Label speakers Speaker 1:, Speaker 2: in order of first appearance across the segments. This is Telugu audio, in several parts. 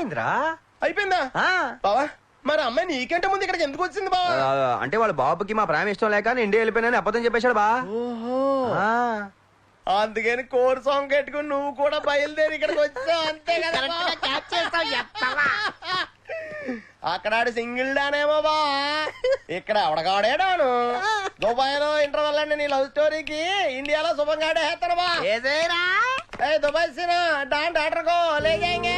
Speaker 1: అయిపోయిందిరా.
Speaker 2: అయిపోయిందా బావా? మరి అమ్మాయి నీకంటే ముందు ఇక్కడికి ఎందుకు వచ్చింది బావా?
Speaker 1: అంటే వాళ్ళ బాబుకి మా ప్రేమ ఇష్టం లేక నేను ఇండియా వెళ్ళిపోయినని అబద్ధం చెప్పేశాడు బా.
Speaker 2: అందుకని కోర్ సాంగ్ కట్టుకుని నువ్వు కూడా బయలుదేరి ఇక్కడికి వచ్చావు అంతే కదా? అక్కడ సింగిల్ డానేమో బా, ఇక్కడ అవడగాడే డాను. దుబాయ్ లో ఇంటర్వెల్ అండి నీ లవ్ స్టోరీకి, ఇండియాలో శుభంగాడే వేస్తాను బా. దుబాయ్ సీన్ డాన్ డాక్టర్ కో లే జాయేంగే.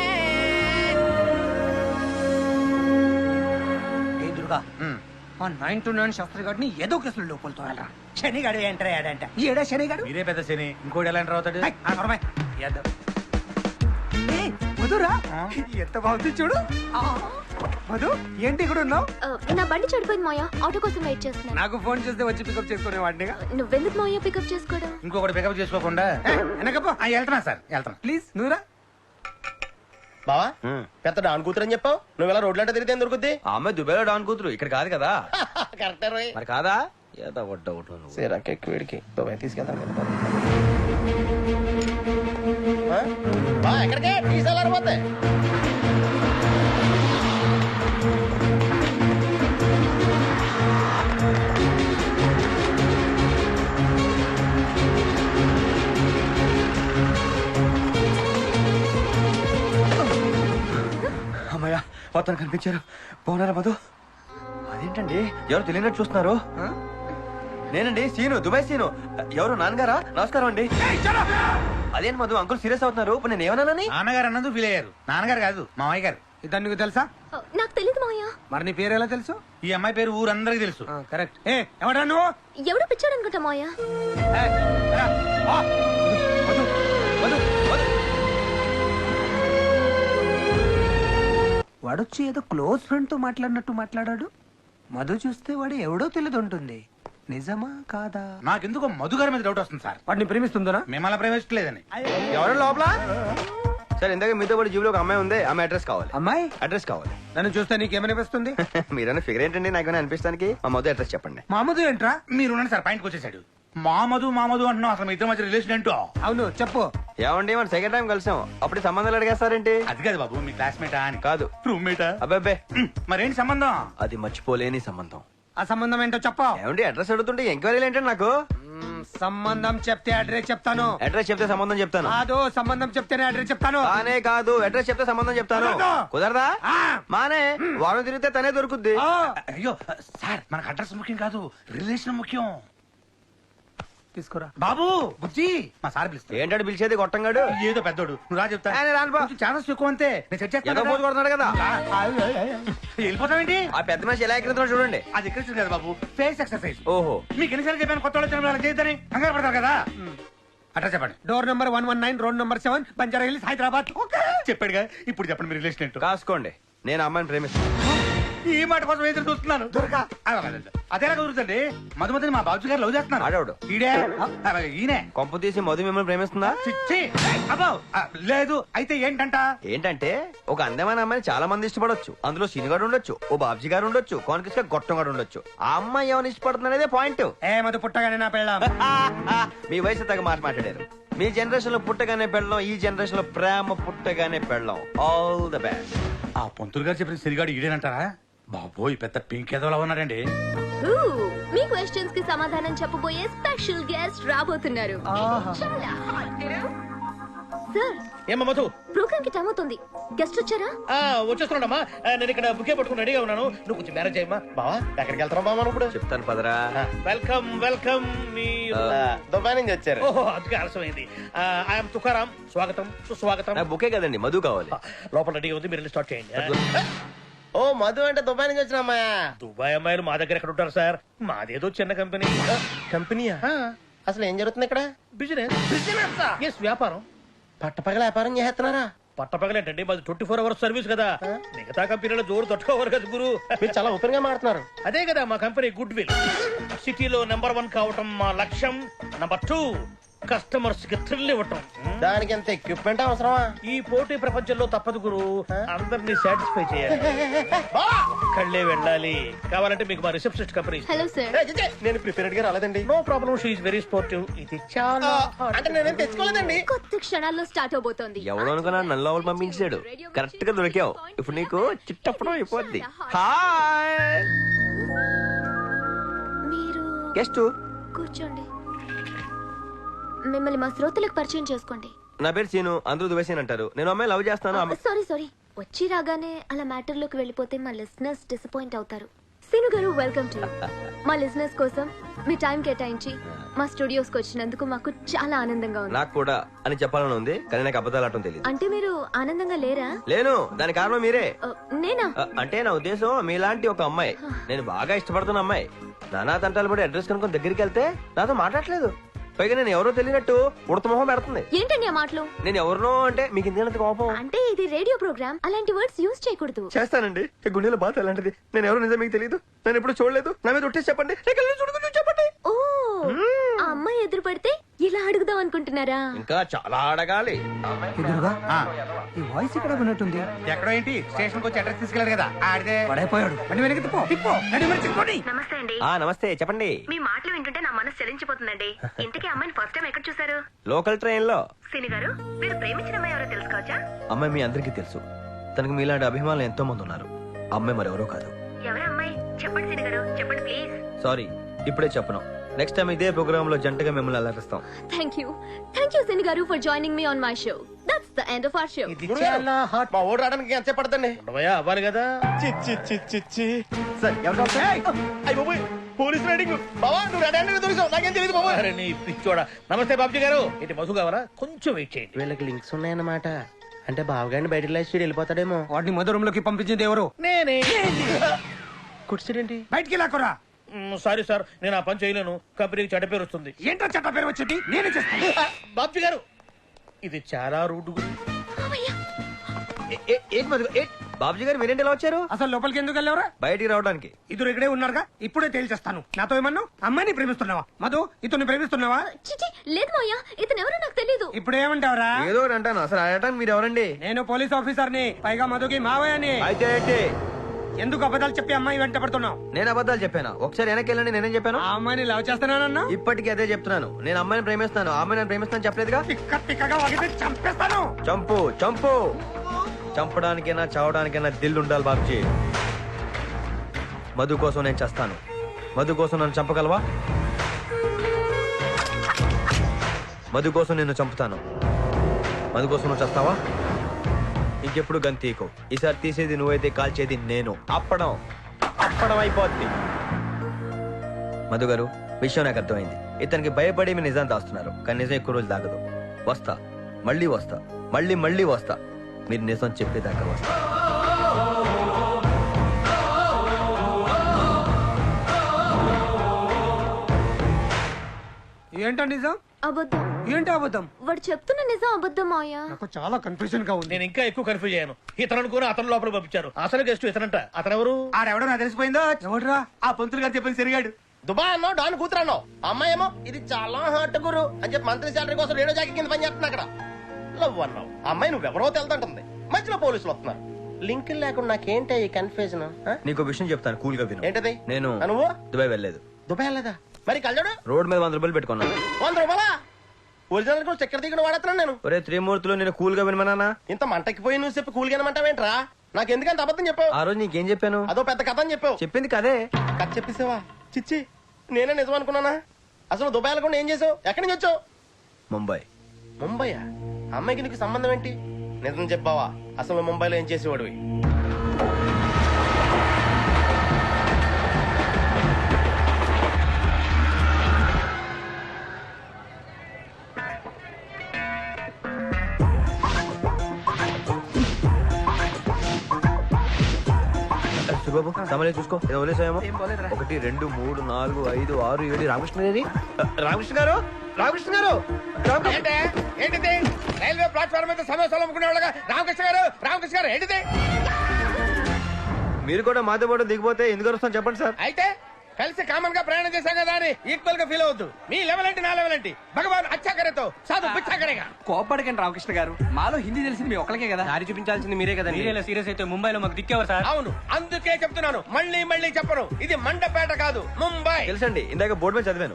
Speaker 3: ఆ 9-9 శాస్త్రి గారిని ఏదో కేసులు లోపలతో వెళ్ళరా. శనిగాడు ఎంటర్ అయ్యాడంట. ఏడా శనిగాడు?
Speaker 4: మీరే పెద్ద శని, ఇంకోటి ఎలా ఎంటర్ అవుతాడు?
Speaker 3: మధురా ఎంత బాగుంది చూడు. మధు ఏంటి ఇక్కడ ఉన్నావు?
Speaker 5: నా బండి చెడిపోయింది మాయా, ఆటో కోసం వెయిట్ చేస్తున్నా.
Speaker 3: నాకు ఫోన్ చేస్తే వచ్చి పికప్ చేసుకునే వాడినిగా.
Speaker 5: నువ్వెందుకు మాయా పికప్ చేసుకోవడం?
Speaker 4: ఇంకొకటి పికప్ చేసుకోకుండా వెనకపో. వెళ్తున్నా సార్, వెళ్తున్నా.
Speaker 3: ప్లీజ్ నువ్వురా.
Speaker 2: బావా పెద్ద డాన్ కూతురు అని చెప్పావు, నువ్వు ఇలా రోడ్లంటే తిరిగితే దొరుకుద్ది.
Speaker 1: ఆ అమ్మాయి దుబాయ్లో డాన్ కూతురు, ఇక్కడ కాదు కదా.
Speaker 2: కరెక్టే రోయ్.
Speaker 1: మరి కాదా? ఏదో డౌట్
Speaker 2: వీడికి దుబాయ్ తీసుకెళ్తాను ఎక్కడికే తీసుకెళ్ళారు.
Speaker 1: అమ్మయ్య మొత్తం కనిపించారు. బాగున్నారా మధు? అదేంటండి ఎవరు తెలియనట్టు చూస్తున్నారు? నేనండి సీను, దుబాయ్ సీను. ఎవరు? నాన్నగారా? నమస్కారం అండి. అదేంటి మధు అంకుల్ సీరియస్ అవుతున్నారు? ఇప్పుడు నేను ఏమన్నానని?
Speaker 4: నాన్నగారు అన్నది ఫీల్ అయ్యారు. నాన్నగారు కాదు, మామయ్య గారు.
Speaker 3: ఇతను నీకు తెలుసా?
Speaker 5: నాకు తెలియదు మాయా.
Speaker 3: మరి నీ పేరు ఎలా తెలుసు?
Speaker 4: ఈ అమ్మాయి పేరు ఊరందరికి తెలుసు.
Speaker 3: కరెక్ట్. ఎవడా నువ్వు?
Speaker 5: ఎవడో పిచ్చాడు అనుకుంటా మాయా.
Speaker 3: వాడొచ్చి ఏదో క్లోజ్ ఫ్రెండ్ తో మాట్లాడినట్టు మాట్లాడాడు. మధు చూస్తే వాడు ఎవడో తెలియదు ఉంటుంది. నిజమా కాదా?
Speaker 4: నాకెందుకో మధు గారి మీద డౌట్ వస్తుంది సార్.
Speaker 3: వాడిని ప్రేమిస్తుందా?
Speaker 4: మిమ్మల్ని ప్రేమించలేదని.
Speaker 1: ఎవరు లోపల? సార్ ఇందాక మీతో పాటు జీబులో ఒక అమ్మాయి ఉంది, ఆమె అడ్రస్ కావాలి.
Speaker 3: అమ్మాయి
Speaker 1: అడ్రస్ కావాలి.
Speaker 3: నన్ను చూస్తే నీకేమనిపిస్తుంది?
Speaker 1: మీరన్నా ఫిగర్ ఏంటండి నాకేమైనా అనిపిస్తానికి? మా మధు అడ్రస్ చెప్పండి.
Speaker 3: మా మధు ఏంట్రా?
Speaker 4: మీరు సార్ పాయింట్కి వచ్చేసాడు. మా మధు అంటున్నావు, అసలు మీ ఇద్దరి మధ్య రిలేషన్ ఏంటో?
Speaker 3: అవును చెప్పు.
Speaker 1: ఏమండి మన సెకండ్ టైం కలిసాం, అప్పుడు సంబంధాలు అడిగేస్తారేంటి?
Speaker 4: అది కాదు బాబు, మీ క్లాస్మేటా అని.
Speaker 1: కాదు,
Speaker 4: రూమ్మేటా?
Speaker 1: అబ్బాబ్బే
Speaker 4: మరేంటి సంబంధం?
Speaker 1: అది మర్చిపోలేని సంబంధం.
Speaker 3: ఆ సంబంధం ఏంటో చెప్పు.
Speaker 1: ఏమండి అడ్రస్ అడుగుతుంటే ఎంక్వైరీలు ఏంటండి నాకు?
Speaker 3: సంబంధం చెప్తే అడ్రస్ చెప్తాను.
Speaker 1: అడ్రస్ చెప్తే సంబంధం చెప్తాను.
Speaker 3: కాదు, సంబంధం చెప్తేనే అడ్రస్ చెప్తాను.
Speaker 1: కానే కాదు, అడ్రస్ చెప్తే సంబంధం చెప్తాను. కుదరదా? మానే వారం తిరిగితే తనే దొరుకుద్ది.
Speaker 4: అయ్యో సార్, మనకు అడ్రస్ ముఖ్యం కాదు, రిలేషన్ ముఖ్యం.
Speaker 3: తీసుకురా
Speaker 4: బాబు. బుజ్జి మా సార్ పిలుస్తా.
Speaker 1: ఏంటంటే పిలిచేది గొట్టంగాడు?
Speaker 4: ఏదో పెద్దోడు, నువ్వు రా చెప్తా. ఛానల్స్ ఎక్కువ అంతే, నేను సెట్ చేస్తాను.
Speaker 1: కొడుతున్నాడు కదా.
Speaker 4: వెళ్ళిపోతామేంటి?
Speaker 1: ఆ పెద్ద మనిషి ఎలా ఎక్కిస్తున్నాడు చూడండి.
Speaker 4: అది ఎక్కడ కదా బాబు, ఫేస్ ఎక్సర్సైజ్.
Speaker 1: ఓహో,
Speaker 4: మీకు ఎన్నిసార్లు చెప్పాను కొత్త వాళ్ళు చేయొద్దని? కంగారు పడతారు కదా. అట్లా చెప్పండి.
Speaker 3: Door number 119, road number 7, Banjara hills, Hyderabad.
Speaker 4: చెప్పాడుగా, ఇప్పుడు చెప్పండి మీ రిలేషన్ ఏంటో.
Speaker 1: కాసుకోండి, నేను అమ్మాయిని ప్రేమిస్తాను.
Speaker 4: ఈ మాట కోసం ఎదురు చూస్తున్నాను. అదేలా కుదురుతుంది? మధుమతిని మా బాబు గారు లవ్ చేస్తున్నారు.
Speaker 1: ఆడవాడు
Speaker 4: ఈడే ఈయనే.
Speaker 1: కొంప తీసి మధు మిమ్మల్ని ప్రేమిస్తుందా?
Speaker 4: చిచ్చి అబ్బో లేదు. అయితే ఏంటంట?
Speaker 1: ఏంటంటే ఒక అందమైన అమ్మాయిని చాలా మంది ఇష్టపడొచ్చు. అందులో సీనిగాడు ఉండొచ్చు, ఓ బాబ్జీ గారు ఉండొచ్చు, కాన్కిస్ గా గొట్టం గారు ఉండొచ్చు. ఆ అమ్మాయి ఎవరిని ఇష్టపడుతుందనేదే పాయింట్.
Speaker 3: మధు పుట్టగానే నా పెళ్ళాం.
Speaker 1: మీ వయసు తగ్గ మాట మాట్లాడారు. మీ జనరేషన్ లో పుట్టగానే పెళ్ళం, ఈ జనరేషన్ లో ప్రేమ పుట్టగానే పెళ్ళం. All the best.
Speaker 4: ఆ పొంతులు గారు చెప్పిన సిరిగాడు ఈడేనంటారా? బాబోయ్ పెద్ద పింక్ ఏదోలా ఉన్నాడండి.
Speaker 5: మీ క్వశ్చన్స్ కి సమాధానం చెప్పబోయే స్పెషల్ గెస్ట్ రాబోతున్నారు. సార్
Speaker 2: ఏమా మధు,
Speaker 5: ప్రోగ్రామ్ కి టైం అవుతుంది, గెస్ట్ వచ్చారా?
Speaker 2: వచ్చేస్తున్నాడమ్మా. నేను ఇక్కడ బుకే పట్టుకుని రెడీగా ఉన్నాను. నువ్వు కొంచెం మ్యారేజ్ అయ్యమ్మా. బావా ఎక్కడికి వెళ్తారా బావా? ఇప్పుడు
Speaker 1: చెప్తాను పదరా.
Speaker 2: Welcome welcome. మీ దుబాయ్ నుంచి వచ్చారు. ఓహో, అందుకే ఆలస్యమైంది. ఐఎమ్ తుకారాం. స్వాగతం సుస్వాగతం.
Speaker 1: బుకే కదండి, మధు కావాలి.
Speaker 2: లోపల రెడీ ఉంది, మీరు స్టార్ట్ చేయండి. ఓ మధు అంటే దుబాయ్ నుంచి వచ్చిన అమ్మాయా? దుబాయ్ అమ్మాయిలు మా దగ్గర ఎక్కడ ఉంటారు సార్? మాదేదో చిన్న కంపెనీ. కంపెనీయా? అసలు ఏం జరుగుతుంది ఇక్కడ? బిజినెస్. బిజినెస్ వ్యాపారం. పట్టపగల వ్యాపారం చేస్తున్నారా? పట్టపగలేంటండి, మాది 24 hours సర్వీస్ కదా. మిగతా కంపెనీలో జోరు తట్టుకోవరు కదా గురు. మీరు చాలా ఓపెన్ గా మాట్లాడుతున్నారు. అదే కదా మా కంపెనీ గుడ్ విల్. సిటీలో నెంబర్ 1 కావటం మా లక్ష్యం. నెంబర్ 2 కస్టమర్స్ కి థ్రిల్ ఇవ్వటం.
Speaker 6: దానికి ఎంత ఎక్విప్మెంట్ అవసరమా?
Speaker 2: ఈ పోటీ ప్రపంచంలో తప్పదు గురు, అందరినీ సాటిస్ఫై చేయాలి. ఒక్కళ్ళే వెళ్ళాలి. కావాలంటే మీకు మా రిసెప్షనిస్ట్ కంపెనీ.
Speaker 5: Hello sir.
Speaker 6: నేను ప్రిపేర్డ్ గా రాలేదండి.
Speaker 2: No problem, she is very sportive. ఇది చాలా
Speaker 6: అంటే నేనేం తెచ్చుకోలేదండి.
Speaker 5: కొద్ది క్షణాల్లో స్టార్ట్ అవబోతోంది.
Speaker 1: ఎవడో అనుకున్నా నన్ను లోపల పంపించాడు. కరెక్ట్ గా దొరికావు. ఇప్పుడు నీకు చిట్టప్పడం అయిపోద్ది. హాయ్
Speaker 5: మీరు
Speaker 1: గెస్ట్.
Speaker 5: కూర్చోండి. మిమ్మల్ని మా శ్రోతలకు పరిచయం చేసుకోండి.
Speaker 1: నా పేరు సీను, అందరూ దువేసీన్ అంటారు. నేను అమ్మాయి లవ్ చేస్తాను.
Speaker 5: సారీ వచ్చి రాగానే అలా మ్యాటర్ లోకి వెళ్ళిపోతే మా లిసనర్స్ డిసప్పాయింట్ అవుతారు. సీను గారు, వెల్కమ్ టు మా లిసనర్స్ కోసం మీ టైం కేటాయించి మా స్టూడియోస్ కి వచ్చినందుకు మాకు చాలా ఆనందంగా ఉంది.
Speaker 1: నాకు కూడా అని చెప్పాలని ఉంది, కానీ నాకు అబద్ధాలు ఆడటం తెలియదు.
Speaker 5: అంటే మీరు ఆనందంగా లేరా?
Speaker 1: లేను, దానికి కారణం మీరే.
Speaker 5: నేనా?
Speaker 1: అంటే నా ఉద్దేశం మీలాంటి ఒక అమ్మాయి, నేను బాగా ఇష్టపడుతున్న అమ్మాయి నానా తంటాలు పడి అడ్రస్ కనుక్కొని దగ్గరికి వెళ్తే నాతో మాట్లాడలేదు. పైగా నేను ఎవరో తెలియనట్టు ఉడత మొహం పెడుతుంది.
Speaker 5: ఏంటండి ఆ మాటలు?
Speaker 1: నేను ఎవరినో అంటే మీకు ఇంత కోపం?
Speaker 5: అంటే ఇది రేడియో ప్రోగ్రామ్, అలాంటి వర్డ్స్ యూజ్ చేయకూడదు.
Speaker 1: చేస్తానండి, ఈ గుండెలో బాధ అలాంటిది. నేను ఎవరో నిజం మీకు తెలియదు, నేను ఎప్పుడు చూడలేదు. నా మీద ఒట్టేసి చెప్పండి, చెప్పండి.
Speaker 5: ఓ, ఆ అమ్మాయి ఎదురు పడితే ఇలా అడుగుదాం అనుకుంటున్నారా?
Speaker 1: ఇంకా చాలా అడగాలి.
Speaker 3: ఎదురుగా
Speaker 4: ఆ,
Speaker 3: ఈ వాయిస్ ఇక్కడ విన్నట్టుంది.
Speaker 4: ఎక్కడో ఏంటి స్టేషన్ కి వచ్చి అడ్రస్ తీసుకెళ్ళారు కదా ఆడితే.
Speaker 3: పడైపోయాడు. అంటే వెనక్కి తిప్పో, తిప్పో. నడి వెనక్కి తిప్పుకోండి.
Speaker 7: నమస్తే అండి.
Speaker 1: నమస్తే, చెప్పండి.
Speaker 7: మీ మాటలు వింటుంటే నా మనసు చెలించిపోతుందండి. ఇంతకీ అమ్మాయిని ఫస్ట్ టైం ఎక్కడ చూసారు?
Speaker 1: లోకల్ ట్రైన్ లో.
Speaker 7: సిని గారు, మీరు ప్రేమించిన అమ్మాయి ఎవరో తెలుసుకోవచ్చా?
Speaker 1: అమ్మాయి మీ అందరికీ తెలుసు. తనకు మీలాంటి అభిమానులు ఎంతో మంది ఉన్నారు. అమ్మాయి మరెవరో కాదు.
Speaker 7: ఎవరా అమ్మాయి? చెప్పండి సిని గారు, చెప్పండి ప్లీజ్.
Speaker 1: సారీ, ఇప్పుడే చెప్పను. నెక్స్ట్ టైం ఇదే ప్రోగ్రామ్ లో జంటగా మిమ్మల్ని అలరిస్తాం.
Speaker 5: థ్యాంక్ యూ సిని గారు for joining me on my show. That's the end of our show.
Speaker 2: ఇది చాలా హాట్.
Speaker 6: మా ఓడి రావడానికి ఎంత పడుతుంది?
Speaker 2: ఉండవయ్యా, అవ్వాలి కదా.
Speaker 6: Sir police raiding. బావా నువ్వు రెడీ అంటే దొరికావు, నాకేం తెలియదు బాబా.
Speaker 2: అరే నీ పిచ్చోడా. నమస్తే బాబుజీ గారు. ఏంటి మధు కావాలా? కొంచెం వెయిట్ చేయండి.
Speaker 6: వీళ్ళకి లింక్స్ ఉన్నాయన్నమాట. అంటే బావగాడిని బయటకు లేచి వెళ్ళిపోతాడేమో.
Speaker 3: వాడిని మధు రూమ్ లోకి పంపించింది ఎవరు?
Speaker 2: నేనే.
Speaker 6: కుర్చీడేంటి?
Speaker 3: బయటికి లాక్కురా.
Speaker 2: సారీ సార్, నేను ఆ పని చేయలేను. కంపెనీకి చెడ్డ పేరు వస్తుంది.
Speaker 3: ఏంటో చెత్త పేరు వచ్చేది నేనే చేస్తాను.
Speaker 2: బాబుజీ గారు, ఇది చాలా రూట్.
Speaker 1: బాబుజీ గారు మీరేంటి ఎలా వచ్చారు?
Speaker 3: అసలు లోపలికి ఎందుకు వెళ్ళేవరా?
Speaker 1: బయటికి రావడానికి.
Speaker 3: ఇద్దరు ఇక్కడే ఉన్నారుగా, ఇప్పుడే తేల్చేస్తాను. నాతో ఏమన్నావు? అమ్మాయిని ప్రేమిస్తున్నావా? మధు, ఇతన్ని ప్రేమిస్తున్నావా?
Speaker 5: చిచి, లేదు మాయా, ఇతను ఎవరో నాకు తెలీదు.
Speaker 3: ఇప్పుడు ఏమంటావరా?
Speaker 1: ఏదో ఒకటి అంటాను. అసలు అడగటానికి మీరు ఎవరండి?
Speaker 3: నేను పోలీస్ ఆఫీసర్ని, పైగా మధుకి మావయ్యని.
Speaker 1: అయితే ఏంటి?
Speaker 3: ఎందుకు అబద్ధాలు చెప్పి అమ్మాయి వెంట పడుతున్నావు?
Speaker 1: నేను అబద్ధాలు చెప్పాను. ఒకసారి వెనక్కి వెళ్ళండి, నేనేం చెప్పాను?
Speaker 3: ఆ అమ్మాయిని లవ్ చేస్తున్నానన్నా?
Speaker 1: ఇప్పటికీ అదే చెప్తున్నాను. నేను అమ్మాయిని ప్రేమిస్తాను. ఆ అమ్మాయి నేను ప్రేమిస్తాను చెప్పలేదుగా.
Speaker 3: తిక్క తిక్కగా వాగితే చంపేస్తాను.
Speaker 1: చంపు చంపు. చంపడానికైనా చావడానికైనా దిల్ ఉండాలి బాబుజీ. మధు కోసం నేను చేస్తాను. మధు కోసం నన్ను చంపగలవా? మధు కోసం నిన్ను చంపుతాను. మధు కోసం నువ్వు చేస్తావా? ఇంకెప్పుడు గంతీకో. ఈసారి తీసేది నువ్వైతే కాల్చేది నేను. అప్పడం అప్పడం అయిపోద్ది. మధు గారు, విషయం నాకు అర్థమైంది. ఇతనికి భయపడి మీరు నిజాన్ని దాస్తున్నారు. కానీ నిజం ఎక్కువ రోజులు దాగదు. వస్తా, మళ్ళీ వస్తా, మళ్ళీ వస్తా. మీరు నిజం చెప్పేదాకా వస్తా.
Speaker 3: ఏంటో నిజం?
Speaker 5: అబద్ధం.
Speaker 3: ఏంటి అబద్ధం?
Speaker 5: వాడు చెప్తున్న నిజం అబద్ధం మాయా.
Speaker 3: నాకు చాలా కన్ఫ్యూజన్ గా ఉంది.
Speaker 2: నేను ఇంకా ఎక్కువ కన్ఫ్యూజ్ అయ్యాను. ఇతను అనుకుని అతను లోపల పంపించారు. అసలు గెస్ట్ ఇతనంట. అతను ఎవరు?
Speaker 4: ఆడెవడో నాకు తెలిసిపోయిందో.
Speaker 3: ఎవడ్రా?
Speaker 4: ఆ పంతులు గారు చెప్పిన సరిగాడు.
Speaker 6: దుబాయ్ అన్నావు, డాన్ కూతురు అన్నావు. అమ్మాయి ఏమో ఇది చాలా హాట్ గురు అని చెప్పి మంత్రి శాలరీ కోసం రేడియో జాకీ కింద పని చేస్తున్నా అక్కడ. లవ్ అన్నావు. అమ్మాయి నువ్వెవరో తెలుదంటుంది. మధ్యలో పోలీసులు వస్తున్నారు. లింకులు లేకుండా నాకేంటి ఈ కన్ఫ్యూజన్?
Speaker 1: నీకు విషయం చెప్తాను, కూల్ గా విను.
Speaker 6: ఏంటది?
Speaker 1: నేను
Speaker 6: నువ్వు
Speaker 1: దుబాయ్ వెళ్ళలేదు.
Speaker 6: దుబాయ్ వెళ్ళదా? మరి కళ్ళడు
Speaker 1: రోడ్ మీద 100 రూపాయలు పెట్టుకున్నాను.
Speaker 6: 100 రూపాయలా? ఒరిజినల్ కూడా చక్కెర దిగుడు వాడుతున్నాను నేను.
Speaker 1: ఒరే త్రిమూర్తులు, నేను కూల్ గా వినమన్నా?
Speaker 6: ఇంత మంటకిపోయి నువ్వు చెప్పి కూలిగానమంటావేంట్రా? నాకు ఎందుకంత అబద్ధం చెప్పావు?
Speaker 1: ఆ రోజు నీకేం చెప్పాను?
Speaker 6: అదో పెద్ద కథ అని చెప్పావు.
Speaker 1: చెప్పింది కదే.
Speaker 6: కథ చెప్పేసావా? చిచ్చి, నేనే నిజం అనుకున్నానా? అసలు దుబాయ్ వెళ్ళకుండా ఏం చేసావు? ఎక్కడి నుంచి వచ్చావు?
Speaker 1: ముంబై.
Speaker 6: ముంబైయా? అమ్మాయికి నీకు సంబంధం ఏంటి? నిజం చెప్పావా? అసలు ముంబైలో ఏం చేసేవాడివి?
Speaker 1: బాబు సమలే చూసుకో, ఏదో వదిలేసాయేమో. 1 2 3 4 5 6 7 రామకృష్ణ గారు. రామకృష్ణ గారు, రామకృష్ణ గారు.
Speaker 4: ఏంటిది? రైల్వే ప్లాట్ఫామ్ మీద సమోసాలు అమ్ముకునే వాళ్ళగా రామకృష్ణ గారు ఏంటిది?
Speaker 1: మీరు కూడా మాతో పాటు దిగిపోతే ఎందుకు వస్తాను చెప్పండి సార్.
Speaker 4: అయితే
Speaker 6: కలిసి కామన్ గా ప్రయాణం చేశాం కదా అని ఈక్వల్ గా ఫీల్ అవద్దు. మీ లెవెల్ ఏంటి, నా లెవెల్ ఏంటి? భగవాన్ అచ్చా కరేతో సాధు పిచ్చా కరేగా.
Speaker 8: కోపడకండి రామకృష్ణ గారు, మాలో హిందీ తెలిసింది మీ ఒక్కరికే కదా.
Speaker 1: దారి చూపించాల్సింది మీరే కదా.
Speaker 8: సీరియస్ అయితే ముంబైలో మాకు దిక్కేవారు సార్.
Speaker 6: అవును, అందుకే చెప్తున్నాను, మళ్ళీ మళ్ళీ చెప్పను, ఇది మండపేట కాదు ముంబై.
Speaker 1: తెలుసండి, ఇందాక బోర్డు మీద చదివాను.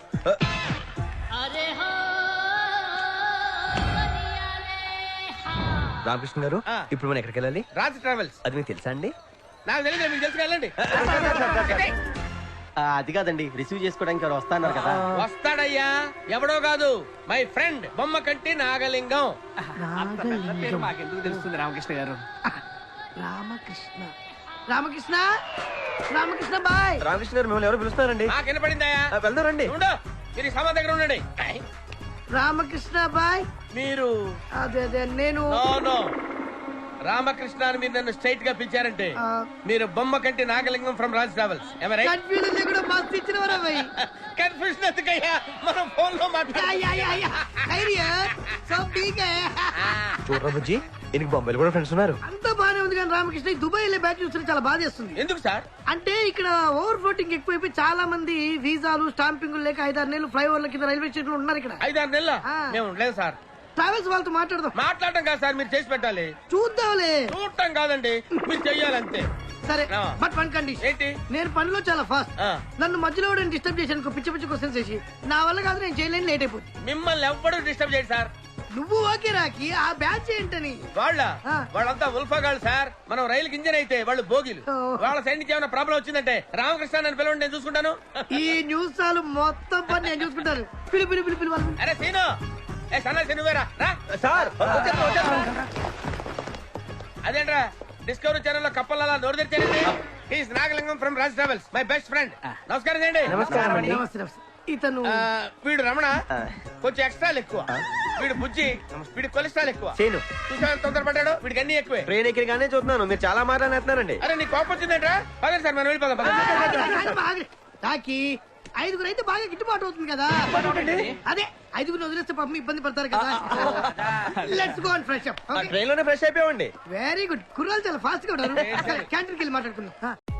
Speaker 1: రామకృష్ణ గారు, ఇప్పుడు మనం ఎక్కడికి వెళ్ళాలి?
Speaker 6: రాజ్ ట్రావెల్స్.
Speaker 1: అది మీకు తెలుసా అండి?
Speaker 6: నాకు తెలియదు, మీకు తెలుసు వెళ్ళండి.
Speaker 2: అది కాదండి, రిసీవ్ చేసుకోవడానికి ఎవరు వస్తాన్నారు కదా.
Speaker 6: వస్తాడయ్యా, ఎవడో కాదు, మై ఫ్రెండ్ బొమ్మ కంటి నాగలింగం.
Speaker 8: పేరు మాకెందుకు తెలుస్తుంది రామకృష్ణ గారు?
Speaker 3: రామకృష్ణ రామకృష్ణ రామకృష్ణ బాయ్.
Speaker 1: రామకృష్ణ గారు మిమ్మల్ని ఎవరు పిలుస్తున్నారండి?
Speaker 6: నాకు వినపడిందయ్యా.
Speaker 1: వెళ్దాం రండి.
Speaker 6: ఉండు, మీరు ఈ సభ దగ్గర ఉండండి.
Speaker 3: రామకృష్ణ బాయ్.
Speaker 6: మీరు
Speaker 3: అదే అదే నేను
Speaker 6: నో నో రామకృష్ణ అని మీరు నన్ను స్ట్రైట్ గా పిలిచారంటే మీరు Bommakanti Nagalingam from Raj travels.
Speaker 3: Confusion లేకుండా మస్తు ఇచ్చిన వరా బాయ్.
Speaker 6: కన్ఫ్యూజన్ ఎందుకయ్యా, మనం ఫోన్ లో
Speaker 1: చూడరా బుజ్జి, ఈయనకి బొంబాయిలో కూడా ఫ్రెండ్స్ ఉన్నారు.
Speaker 3: అంతా బానే ఉంది కానీ రామకృష్ణ ఈ దుబాయ్ వెళ్ళే బ్యాచ్ చూస్తే చాలా బాధేస్తుంది.
Speaker 6: ఎందుకు సార్?
Speaker 3: అంటే ఇక్కడ ఓవర్ ఫ్లోటింగ్ ఎక్కువైపోయి చాలా మంది వీసాలు స్టాంపింగ్ లేక 5-6 నెలలు ఫ్లైఓవర్ల కింద రైల్వే స్టేషన్ ఉన్నారు ఇక్కడ.
Speaker 6: 5-6 నెలల మేము ఉండలేదు సార్.
Speaker 3: ట్రావెల్స్ వాళ్ళతో మాట్లాడదాం.
Speaker 6: మాట్లాడటం కాదు సార్, మీరు చేసి పెట్టాలి.
Speaker 3: చూద్దాంలే.
Speaker 6: చూడటం కాదండి, మీరు చెయ్యాలంతే.
Speaker 3: సరే,
Speaker 6: ఆ.
Speaker 3: But one condition.
Speaker 6: ఏంటి?
Speaker 3: నేను పనిలో చాలా ఫాస్ట్.
Speaker 6: ఆ.
Speaker 3: నన్ను మధ్యలో డిస్టర్బ్ చేశాను పిచ్చి పిచ్చి క్వశ్చన్స్ చేసి నా వల్ల కాదు, నేను చేయలేని, లేట్ అయిపోతుంది.
Speaker 6: మిమ్మల్ని ఎవ్వడూ డిస్టర్బ్ చేయడు సార్.
Speaker 3: నువ్వు ఓకే రాకి ఆ బ్యాచ్ ఏంటని.
Speaker 6: వాళ్ళంతా ఉల్ఫాగాళ్ళు సార్. మనం రైలుకి ఇంజన్ అయితే వాళ్ళు బోగిలు.
Speaker 3: ఓ.
Speaker 6: వాళ్ళ సైడ్ నుంచి ఏమైనా ప్రాబ్లం వచ్చిందంటే రామకృష్ణ నన్ను పిలవండి, నేను చూసుకుంటాను.
Speaker 3: ఈ న్యూస్ చాలు మొత్తం పని నేను చూసుకుంటాను. పిలు పిలు పిలు పిలు వాళ్ళు.
Speaker 6: అరే సీను, ఏ సన్నాసి నువ్వేరా రా.
Speaker 1: సార్
Speaker 6: అదేంట్రా డిస్కవరీ ఛానల్ లో కప్పలలా నోరు తెరిచారండి. He's Nagalingam from Raj travels, my best friend. నమస్కారం చేయండి.
Speaker 1: నమస్కారం అండి.
Speaker 3: నమస్తే నమస్తే. ఇతను
Speaker 6: వీడు రమణ, కొంచెం ఎక్స్ట్రాలు ఎక్కువ. వీడు బుజ్జి, వీడి కొలెస్ట్రాల్ ఎక్కువ.
Speaker 1: సీను,
Speaker 6: చూసా తొందరపడ్డాడు, వీడికి అన్ని ఎక్కువే.
Speaker 1: ట్రైన్ ఎక్కడిగానే చూస్తున్నాను, మీరు చాలా మాట్లాడుతున్నారండి.
Speaker 6: అరే నీ కోపం వచ్చిందంట్రా? పదండి సార్, మనం వెళ్ళిపోదాం. పదండి.
Speaker 3: రాకి 5గురు అయితే బాగా గిట్టుబాటు అవుతుంది కదా. అదే 5గురు వదిలేస్తే పాపం ఇబ్బంది పడతారు కదా. Let's go and fresh up.
Speaker 1: Train లోనే ఫ్రెష్ అయిపోయామండి.
Speaker 3: Very good. కుర్రాలు చాలా ఫాస్ట్ గా ఉన్నారు. క్యాంటీన్కి వెళ్ళి మాట్లాడుకుందాం.